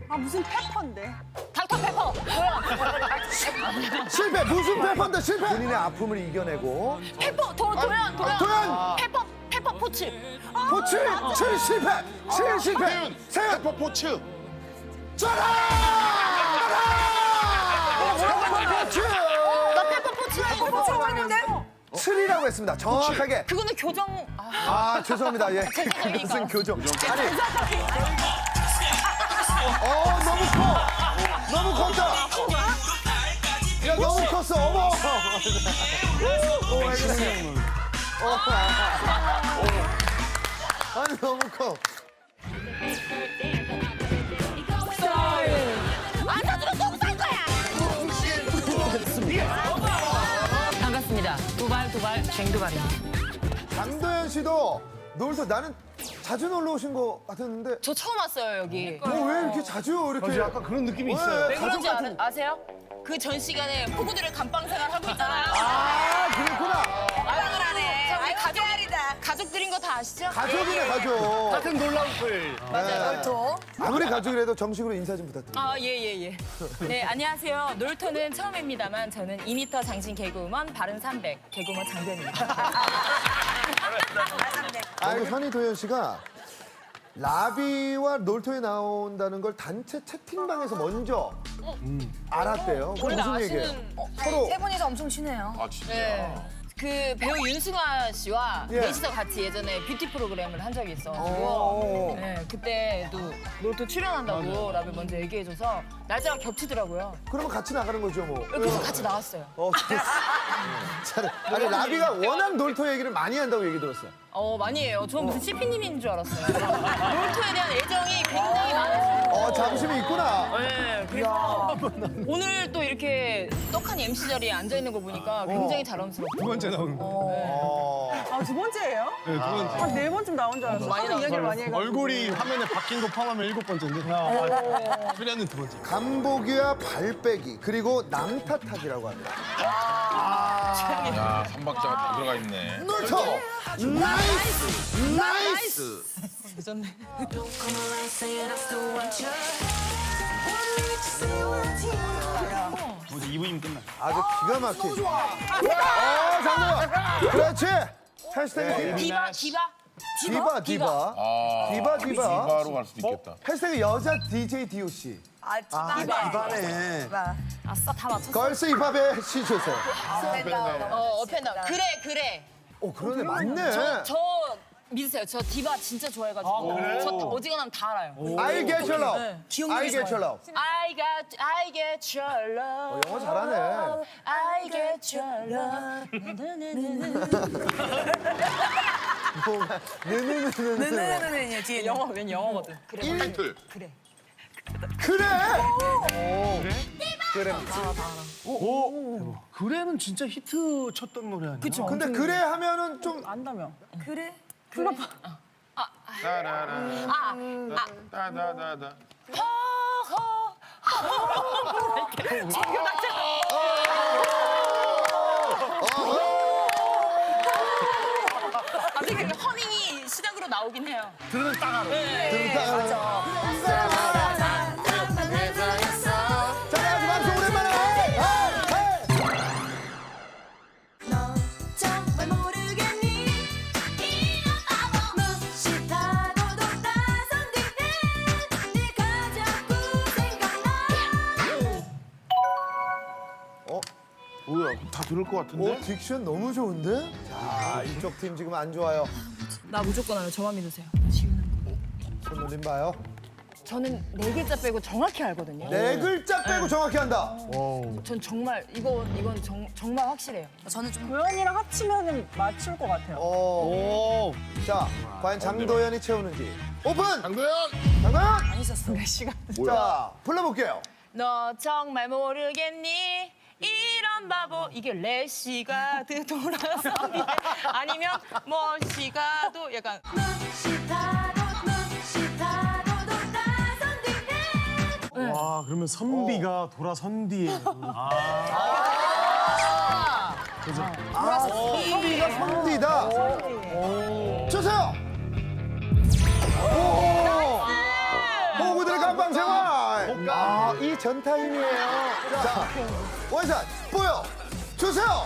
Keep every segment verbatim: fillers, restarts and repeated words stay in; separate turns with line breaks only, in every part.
아 무슨 페퍼인데?
닥터페퍼. 뭐야?
실패. 무슨 페퍼인데 실패. 본인의 아픔을 이겨내고.
페퍼. 도, 도연. 도연.
도연.
페퍼. 페퍼 포츠.
포츠. 칠 실패. 칠 실패. 세연.
페퍼 포츠.
쩌라! 페퍼 포츠.
나 페퍼 포츠라고.
페퍼라고 했는데?
칠이라고 했습니다. 정확하게.
그거는 교정. 아,
아 죄송합니다. 예.
죄송해요,
그것은
이거.
교정. 아니. 어 너무 커. 너무 컸다. 야 너무 컸어. 어머. 오, 어, 아니 너무 커.
안 사주면 똥쌀 거야. 반갑습니다. 두발 두발 쟁두발입니다.
강도현 씨도 놀서 나는 자주 놀러 오신 것 같았는데
저 처음 왔어요 여기.
어, 왜 이렇게 자주 이렇게
약간 그런 느낌이
왜,
있어요.
왜
가족
그런지
같은-
아, 아세요? 그 전 시간에 호구들의 감방 생활 하고 있잖아요.
아 그렇구나.
감방을 하네. 우리 가족 가족들인 거 다 아시죠?
가족이네 가족.
같은 놀라운 풀.
놀토.
아무리 가족이라도 정식으로 인사 좀 부탁드립니다.
아, 예, 예, 예. 네, 안녕하세요. 놀토는 처음입니다만 저는 이 미터 장신 개그우먼 바른 삼백 개그우먼 장변입니다.
아이고 현희 도현 씨가 라비와 놀토에 나온다는 걸 단체 채팅방에서 먼저 알았대요. 그
원래
무슨 얘기예요?
아시는 어,
서로
세 분이서 엄청 친해요.
아 진짜.
네. 그 배우 윤승아 씨와
예.
넷이서 같이 예전에 뷰티 프로그램을 한 적이
오.
있어가지고 네, 그때도 놀토 출연한다고 라비 먼저 얘기해줘서 날짜가 겹치더라고요.
그러면 같이 나가는 거죠 뭐.
그래서 같이 나왔어요.
어, 됐어. 잘해. 아니 라비가 워낙 놀토 얘기를 많이 한다고 얘기 들었어요.
어, 많이 해요. 전 무슨 씨피님인 줄 알았어요. 놀토에 대한 애정이 굉장히 많으세요.
어 자부심이 있구나.
네, 그래서 오늘 또 이렇게 떡한 엠씨 자리에 앉아 있는 거 보니까 굉장히 자랑스럽고.
두 번째 나오는 거.
어.
아 두 번째예요?
네, 두 번째.
한 네 번쯤 나온 줄 알았어.
많이
하도 이야기를 많이 해가지고.
얼굴이 화면에 바뀐 거 포함하면 일곱 번째인데. 출연은 두 번째.
간보기와 발빼기 그리고 남 탓하기라고 합니다.
야, 삼박자가 다 들어가 있네.
놀토 나이스 나이스.
뭐지 이 부임 끝나.
아주 기가 막힌. 어 장동원. 그렇지. 해시태그
디바, 디바.
디바 디바.
아,
디바 디바.
디바로 갈 수도 있겠다.
해시태그 여자 디제이 디오씨.
아 디바.
디바네.
아싸, 다 맞췄어.
걸스 힙합의 시 주세요.
어, 어펜다. 그래, 그래.
어 그러네 맞네.
저, 저 믿으세요. 저 디바 진짜 좋아해가지고. 저 다- 어지간하면 다 알아요.
I get your love.
네.
I get your love.
I got, I get your love.
어, 영어 잘하네.
I get your love.
뭐가 느느느느느.
네네네네 뒤에
영어, 웬 영어거든. 그래.
타이틀.
그래.
그래. 그래.
오. 그래는 진짜 히트 쳤던 노래 아니야?
그쵸.
근데 그래 하면은 좀
안다며. 그래?
따라라.
아,
따다다다.
아, 되게 허밍이 시작으로 나오긴 해요.
들으면 딱 알아.
들다. 자, 아주 방송 오랜만에. 헤이, 헤이.
너 정말 모르겠니 이런 바보 무시하고도 나선 뒤에 네가 자꾸 생각나
어,
뭐야? 다 들을 것 같은데?
어, 딕션 너무 좋은데? 자, 이쪽 팀 지금 안 좋아요.
나 무조건 알아요. 저만 믿으세요.
손 놀림 봐요.
저는 네 글자 빼고 정확히 알거든요.
네 글자 빼고 정확히 한다.
전 정말 이거 이건 정, 정말 확실해요.
저는 좀 도연이랑 합치면은 맞출 것 같아요.
어.
오.
자, 과연 장도연이 채우는지. 오픈!
강도현.
장도연!
있었어. 몇 시간.
자, 불러볼게요.
너 정말 모르겠니? 이런 바보 이게 레시가 돌아서 미래 아니면 멋시가도 약간
무시하고 무시하고도 나선 뒤에
와 그러면 선비가 돌아선 뒤에.
선비가 선비다. 주세요. 오. 호구들의 감방 생활. 아, 이 전타임이에요. 자, 원샷 보여 주세요.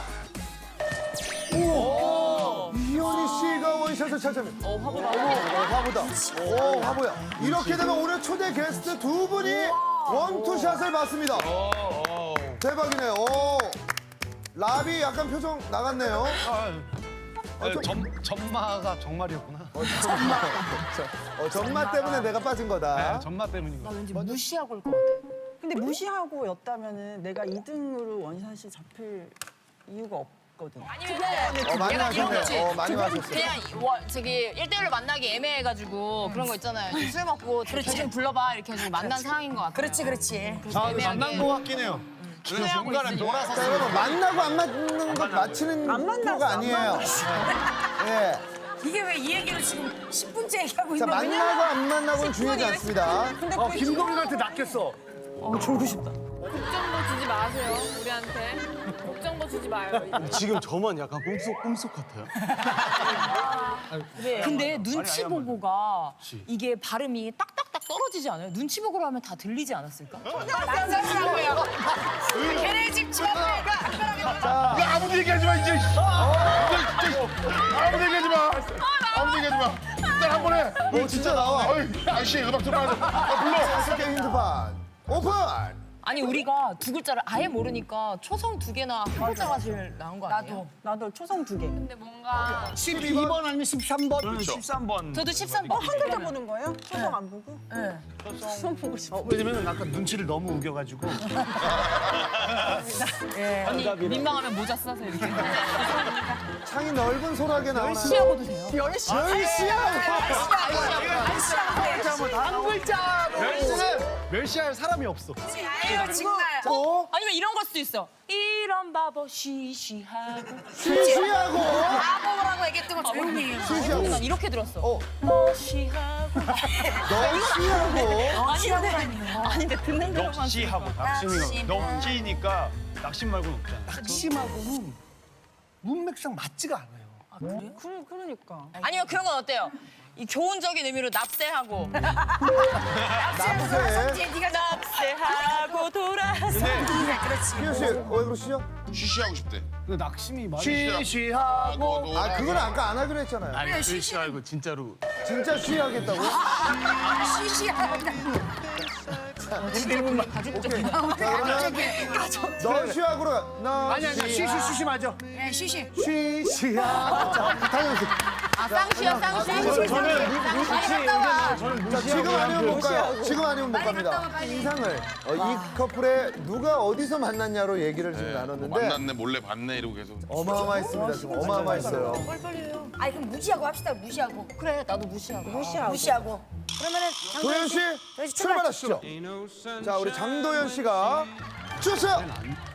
오, 이현희 씨가 원샷을 찾아냅니다.
어, 화보다.
오, 화보다. 오, 화보야. 이렇게 되면 오늘 초대 게스트 두 분이 원투샷을 받습니다. 대박이네요. 오, 라비 약간 표정 나갔네요.
아,
좀-
점, 점마가 정말이었구나.
어, 전마 때문에 내가 빠진 거다.
네, 점마 때문인 거.
왠지 무시하고 올 것 같아.
근데 무시하고 였다면은 내가 이 등으로 원샷이 잡힐 이유가 없거든.
아니면
어, 많이
내가 이런
마셨네요.
거지.
어, 많이 마셨어요.
그냥 이- 와, 저기 일 대일로 만나기 애매해가지고 그런 거 있잖아요. 술 먹고 대충 불러봐 이렇게 해서 만난 상황인 것 같아요. 그렇지, 그렇지.
아, 근데 만난 거 같긴 해요.
중간에 놀아서.
자, 여러분 만나고 안 맞는 것 맞히는
안 만났어,
프로가
안
아니에요. 예.
이게 왜 이 얘기를 지금 십 분째 얘기하고
자, 만나고 안 만나고는 중요하지 않습니다.
근데
어,
그
김동률한테 낚였어.
어, 졸고 싶다.
걱정도 주지 마세요, 우리한테. 걱정도 주지 마요.
지금 저만 약간 꿈속 꿈속 같아요.
근데 눈치 보고가 이게 발음이 딱딱딱 떨어지지 않아요? 눈치 보고로 하면 다 들리지 않았을까? 걔네 집 지하철가
야, 아무도 얘기하지 마, 이제. 이제, 이제. 아무도 얘기하지 마. 아무도 얘기하지 마. 일단 한 번 해.
오, 진짜 나와.
어이, 아저씨, 음악 들어야 돼. 아, 불러.
다섯 개 힌트판 오픈.
아니 우리가 두 글자를 아예 모르니까 초성 두 개나 한 글자가 제일 나은 거 아니에요?
나도 초성 두 개.
근데 뭔가
십이 번 아니면 십삼 번?
그렇죠.
십삼 번.
저도 십삼 번.
한 글자 보는 거예요? 초성 안 보고? 네. 초성 보고 싶어.
왜냐면 아까 눈치를 너무 우겨가지고.
언니 민망하면 모자 써서 이렇게.
창이 넓은 소라게 나오나요?
시하고도 돼요.
열시하고.
한 글자로. 멸시는 멸시할 사람이 없어.
또
아니면 이런 걸 수도 있어. 이런 바보 시시하고.
시시하고.
바보라고 얘기했던 거 조용히 해요.
시시하고.
난 이렇게 들었어.
어,
너시하고.
너 시하고.
아닌데 듣는 대로만.
낚시하고 낚시니까 낚시니까 낚시 말고는 없잖아.
낙심하고는 문맥상 맞지가 않아요.
그, 그러니까.
아니면 그런 건 어때요? 이 교훈적인 의미로 납세하고.
남세.
네가 납세하고 돌아서.
희연 씨, 왜 그러시죠?
쉬쉬하고 싶대.
근데 낙심이 많이.
쉬쉬하고.
아, 그건 아까 안 하기로 했잖아요.
아니 낚시 말고 진짜로.
진짜 쉬하겠다고? 오케이. 자, 그러면 너 쉬하고로 나
아니 아니 쉬쉬 쉬쉬 맞아.
쉬시하고. 자, 다현 씨.
아, 쌍시야, 쌍시.
저는 저는
자, 지금 아니면 못 가요. 지금 아니면 못 갑니다. 인상을 어, 이 커플의 누가 어디서 만났냐로 얘기를 지금 나눴는데
만났네, 몰래 봤네, 이러고 계속.
어마어마했습니다. 지금 어마어마했어요.
아니 그럼 무시하고 합시다. 무시하고.
그래, 나도 무시하고.
무시하고.
무시하고. 그러면은
도현 씨 출발하시죠. 자, 우리 장도연 씨가 주세요.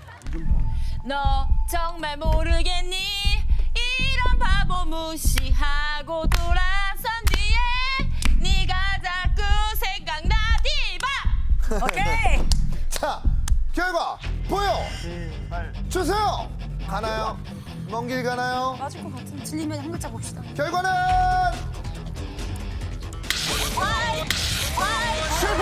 너 정말 모르겠니? 이런 바보 무시하고 돌아선 뒤에 네가 자꾸 생각나 디바. 오케이.
자, 결과 보여 주세요. 가나요? 먼 길 가나요?
맞을 것 같은. 틀리면 한 글자 봅시다.
결과는 실패.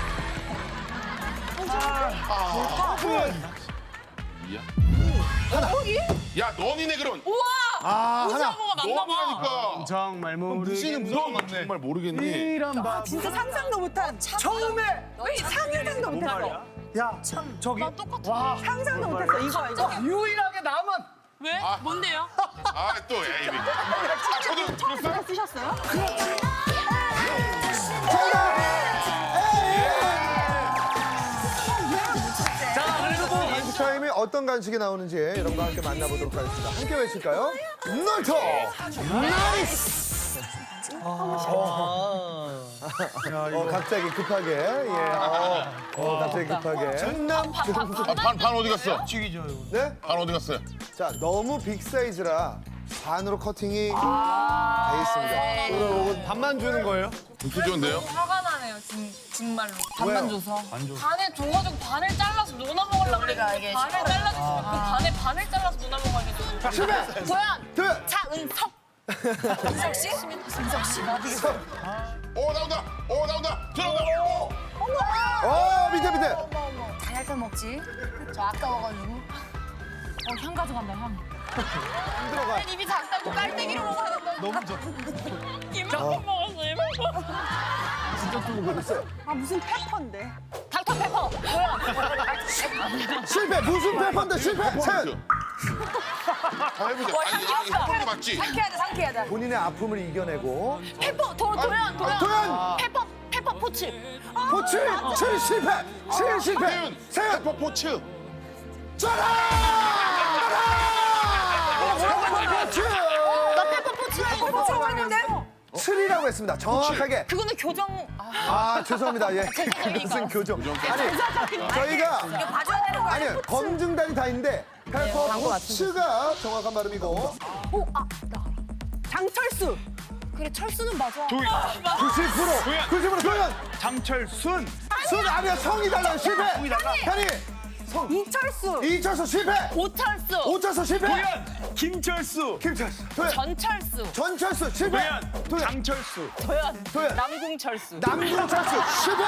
이야. 야, 너니네, 그럼.
아, 하나.
무시하고가 맞나 봐.
너니라니까.
정말 모르겠는
무서워, 맞네. 정말 모르겠니?
이런 바.
진짜 상상도 못한 처음에 왜 상상도 못했어.
야 저기
나 똑같아.
상상도 못했어. 이거 이거.
유일하게 남은.
왜? 뭔데요?
아, 또, 에이. 아, 저도 들었어요?
쓰셨어요?
자 그래도 뭐.
간식 타임이 어떤 간식이 나오는지 여러분과 함께 만나보도록 하겠습니다. 함께 외칠까요? 놀토! 나이스! 어, 갑자기 급하게, 예, 어, 어, 갑자기 급하게. 충남 중부.
아, 반, 반 어디 갔어?
네?
반 어디 갔어요?
자, 너무 빅 사이즈라 반으로 커팅이 돼 있습니다. 그리고
밥만 주는 거예요?
진짜 좋은데요?
화가 나네요, 진, 정말로.
반만
왜요?
줘서.
반에 줘가지고 반을 잘라서 누나 먹으려고 그래. 반을 잘라줬으면 그 반에 반을 잘라서 누나 먹으려고.
실패!
도연,
둘!
차은석. 은석 씨? 은석 씨.
오, 나온다! 오, 나온다! 들어온다!
어, 밑에 밑에.
잘할 걸 먹지. 저 아까워가지고.
어, 향 가져간다, 향.
들어가.
입이 작다고 깔때기로 먹어야 된다.
너무 좋.
이만큼 먹었어, 이만큼.
아 무슨 페퍼인데?
닥터 페퍼. 도연.
실패. 무슨 페퍼인데 실패. 세연.
다 해보자.
와,
아니,
향
이거
귀엽다.
꼴도 맞지?
상쾌하다, 상쾌하다.
본인의 아픔을 이겨내고.
페퍼, 도, 도연, 도연.
도연.
페퍼, 페퍼 포츠.
포츠. 칠 실패. 칠 실패.
세윤.
세연.
페퍼 포츠.
쩌라! 포츠.
나 페퍼 포츠라고. 페퍼 포츠라고 했는데?
칠이라고 했습니다. 정확하게.
그거는 교정. 아,
아 죄송합니다. 예.
죄송합니다.
무슨 교정? 아니 저희가
이거 봐줘야 되는 거 아니야?
아니 검증단이 다 있는데 페퍼 포츠가 정확한 발음이고
오, 아, 나 알아.
장철수.
그래, 철수는 맞아.
도연.
구십 퍼센트
도연.
구십 퍼센트 도연.
장철순.
순 아니야 성이 달라요 실패.
성이 달라?
현이
이철수.
이철수 실패.
오철수.
오철수 실패.
도연. 김철수.
김철수 도연.
전철수.
전철수 실패.
도연.
도연.
장철수.
도연.
도연.
남궁철수.
남궁철수 실패.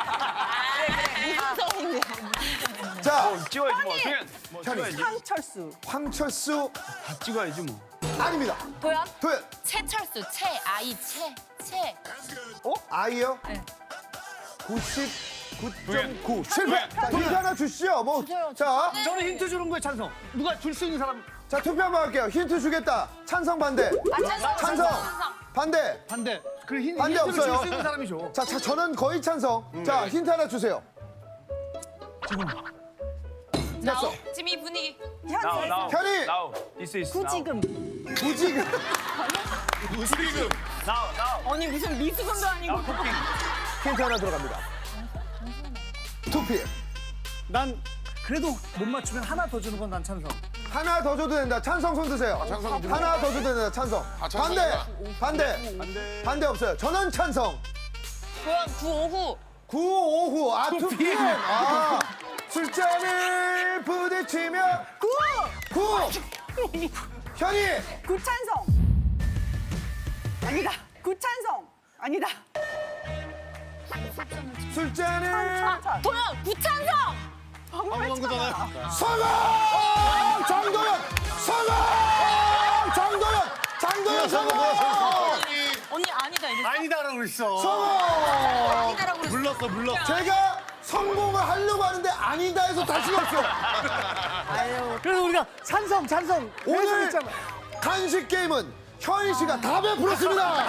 이성인데.
자
찍어야지 뭐. 도연. 뭐
현이.
찍어야지.
황철수.
황철수
다 찍어야지 뭐.
아닙니다.
도연.
도연.
채철수. 채, 아이, 채, 채.
어? 아이요?
네.
구십구 점 구 실패. 자, 힌트 하나 주시죠. 뭐.
주세요.
자,
저는 힌트 주는 거에 찬성. 누가 줄 수 있는 사람
자 투표 한번 할게요. 힌트 주겠다. 찬성 반대.
찬성,
찬성. 반대.
반대. 그 힌,
반대
힌트를 줄
없어요.
수 있는 사람이 줘.
자, 자 저는 거의 찬성. 자 힌트 하나 주세요. 됐어.
지금 이 분위기.
나우 나우.
현이.
나우. This is now.
구지금.
무지금.
무지금.
나우 나우.
아니, 무슨 미수금도 아니고.
나우 토핑.
힌트 하나 들어갑니다. 투피.
난 그래도 못 맞추면 하나 더 주는 건 난 찬성.
하나 더 줘도 된다. 찬성 손 드세요.
찬성 좀
하나 더 줘도 된다. 찬성.
아, 찬성이다.
반대. 반대.
반대.
반대 없어요. 저는 찬성.
도연, 구오후.
구오후. 아, 투피. 아, 술잔을 부딪히며 구. 구. 현이.
구찬성. 아니다. 구찬성. 아니다.
술잔을
찬찬.
도연, 구찬성.
성공! 정도연! 성공! 정도연! 장도연 성공!
언니 아니다 이랬어.
아니다라고 그랬어.
성공!
불렀어 불렀어.
제가 성공을 하려고 하는데 아니다 해서 다시 없어.
그래서 우리가 찬성, 찬성.
오늘
했잖아.
간식 게임은 현희 씨가 다 베풀었습니다.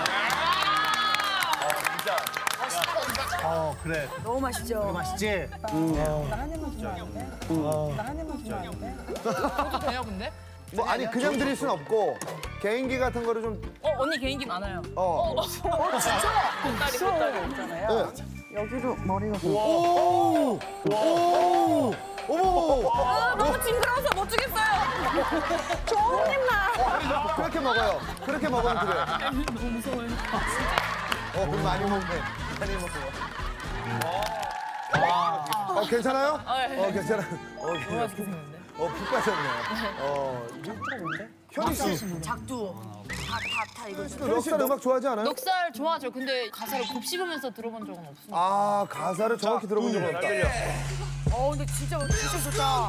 어, 그래.
너무 맛있죠.
맛있지?
나 한 입만 주면 안 돼? 나 한 입만 주면 안 돼?
그것도 돼요 근데?
뭐 아니 그냥 드릴 순 없고 개인기 같은 거를 좀
어 언니 개인기 많아요.
어.
어 진짜?
보따리 보따리.
있잖아요.
네.
여기로 머리가
오! 오! 어머!
아, 너무 징그러워서 못 주겠어요.
좋은 입만.
그렇게 먹어요. 그렇게 먹으면 그래요.
너무 무서워요.
어, 그럼 많이 먹네. 많이 먹고. 어, 괜찮아요?
아, 예.
어, 괜찮아요. 어,
너무 맛있게 생겼는데.
어, 푹 빠졌네. 어, 현희 씨,
작두. 다, 다, 다 이거.
현희 씨 음악 좋아하지 않아요?
넉살 좋아하죠. 근데 가사를 곱씹으면서 들어본 적은 없습니다.
아, 가사를 정확히 들어본 적은 없다.
어, 근데 진짜, 진짜 좋다.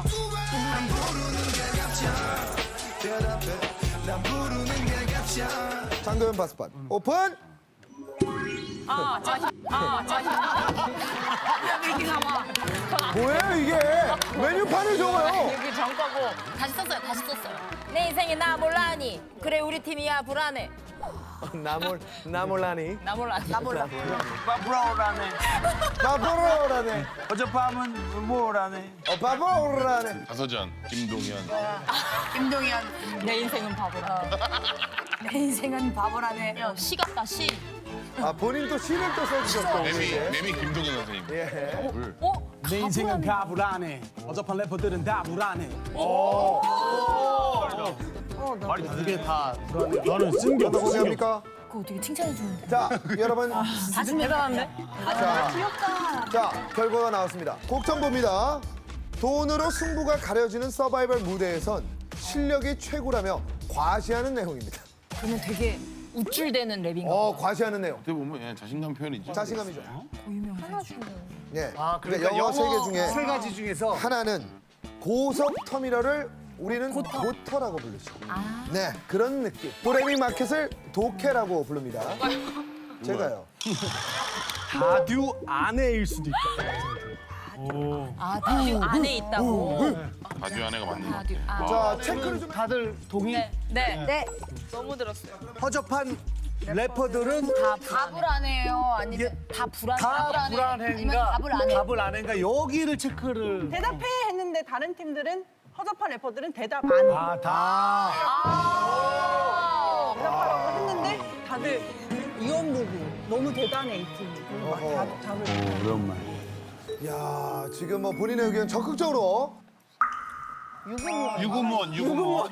장도연 바스판 오픈!
아, 자신. 아, 자신. 왜 이렇게 나와?
뭐예요, 이게? 메뉴판을 적어요.
여기 정거고 다시 썼어요. 다시 썼어요. 내 인생에 나 몰라니. 그래 우리 팀이야 불안해.
나몰, 나몰라니.
나 몰라. 나 몰라.
바브라오라네.
바보라네.
어젯밤은 뭐라네.
어, 바보라네.
다서전 김동현.
김동현.
내 인생은 바보라.
내 인생은 바보라네.
야, 시 같다 시.
아, 본인 또 시를 또 써주셨고.
매미
이제.
매미 김동현 선생님.
예.
물.
어?
내 인생은 가불안해. 어젯밤 래퍼들은 다 불안해.
말이 다
이게 다 불안해. 너는 쓴 게
어떤
없어.
곡입니까?
그거 되게 칭찬해 주는데.
자, 여러분.
다시 대단한데?
자,
귀엽다.
자, 결과가 나왔습니다. 곡정보입니다. 돈으로 승부가 가려지는 서바이벌 무대에선 실력이 최고라며 과시하는 내용입니다.
그러면 되게 우쭐대는 랩인가
어,
봐.
과시하는 내용.
어떻게 보면 예, 자신감 표현이지.
자신감이죠.
유명하죠.
예.
아,
그러니까 영어 세 개 중에
세 가지 중에서
하나는 고속 터미널을 우리는 고터. 라고 부르죠. 네, 그런 느낌. 도레미 마켓을 도케라고 부릅니다. 제가요.
다듀 안에일 수도 있다.
아, 다듀 안에 있다고.
아주 아내가 맞네.
다듀. 아.
자, 체크를 좀.
다들 동의?
네. 네.
네.
너무 들었어요.
허접한 래퍼들은
다 답을 안 해요. 아니면
다 불안.
다
안 해. 아니면
불안해인가?
답을 안 해.
답을 안 해인가? 여기를 체크를.
대답해 했는데 다른 팀들은 허접한 래퍼들은 대답 안 해.
아, 다.
대답하라고 했는데 다들 이원보고 너무 대단해 이 팀. 그리고 막
어허.
답, 답을.
오랜만.
야, 지금 뭐 본인의 의견 적극적으로.
유부모.
유구무원, 유구무원.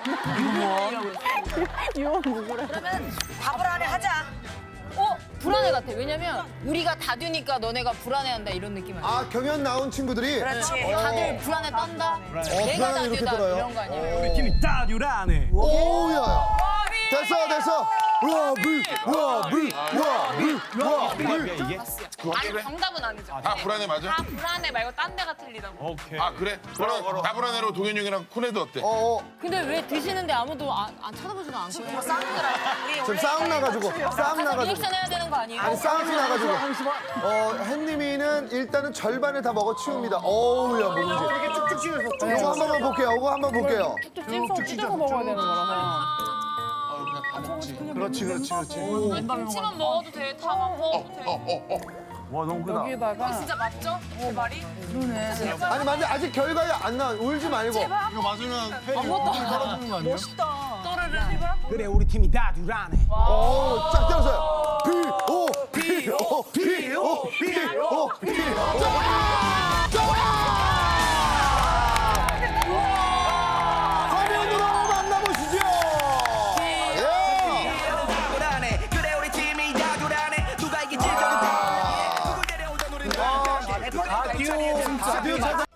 유원보고라.
그러면 답을 안 해 하자.
어, 불안해 같아. 왜냐면 우리가 다듀니까 너네가 불안해한다 이런 느낌 아니야?
아, 경연 나온 친구들이.
그렇지.
다들 불안해 떤다. 내가
불안해 이렇게
다듀다
들어요.
이런 거 아니야?
어.
팀이 다듀라네.
오야. 됐어, 됐어. 우와, 물, 우와, 물, 우와, 물, 우와, 물.
아니 정답은 아니죠.
다 불안해 맞아?
다 불안해 말고 딴 데가 틀리다고.
오케이.
아 그래? 그럼 다 불안해로 동현 형이랑 코네도 어때?
어, 어.
근데 왜 드시는데 아무도 안, 안 쳐다보지도 않고
뭐 싸우는 거라. 우리
지금
원래
싸움 나가지고, 싸움
가서
나가지고.
리액션 해야 되는 거 아니에요?
아니, 싸움이 나가지고. 어, 햄님이는 일단은 절반을 다 먹어 치웁니다. 어우야, 뭐지?
이렇게 쭉쭉 찢어서.
이거 한 번만 볼게요. 이거 한 번 볼게요.
찔끔 찢어서 먹어야 되는 거라서.
그렇지, 그렇지, 그렇지.
김치만 먹어도 돼. 다만 먹어도 돼.
와, 너무 크다.
이거 진짜 맞죠? 제 말이?
아니, 맞아. 아직 결과가 안 나와. 울지 말고.
이거 맞으면 패
떨어지는 거 아니야?
멋있다.
또르르 해봐.
그래, 우리 팀이 다듀라네.
오, 쫙 때렸어요. 비, 오, 비, 오, 비, 오, 비, 오, 비. 화면으로 만나보시죠. 예.
그래 우리 팀이 다듀라네 누가 이길지
아.
다듀, 다듀 찾아.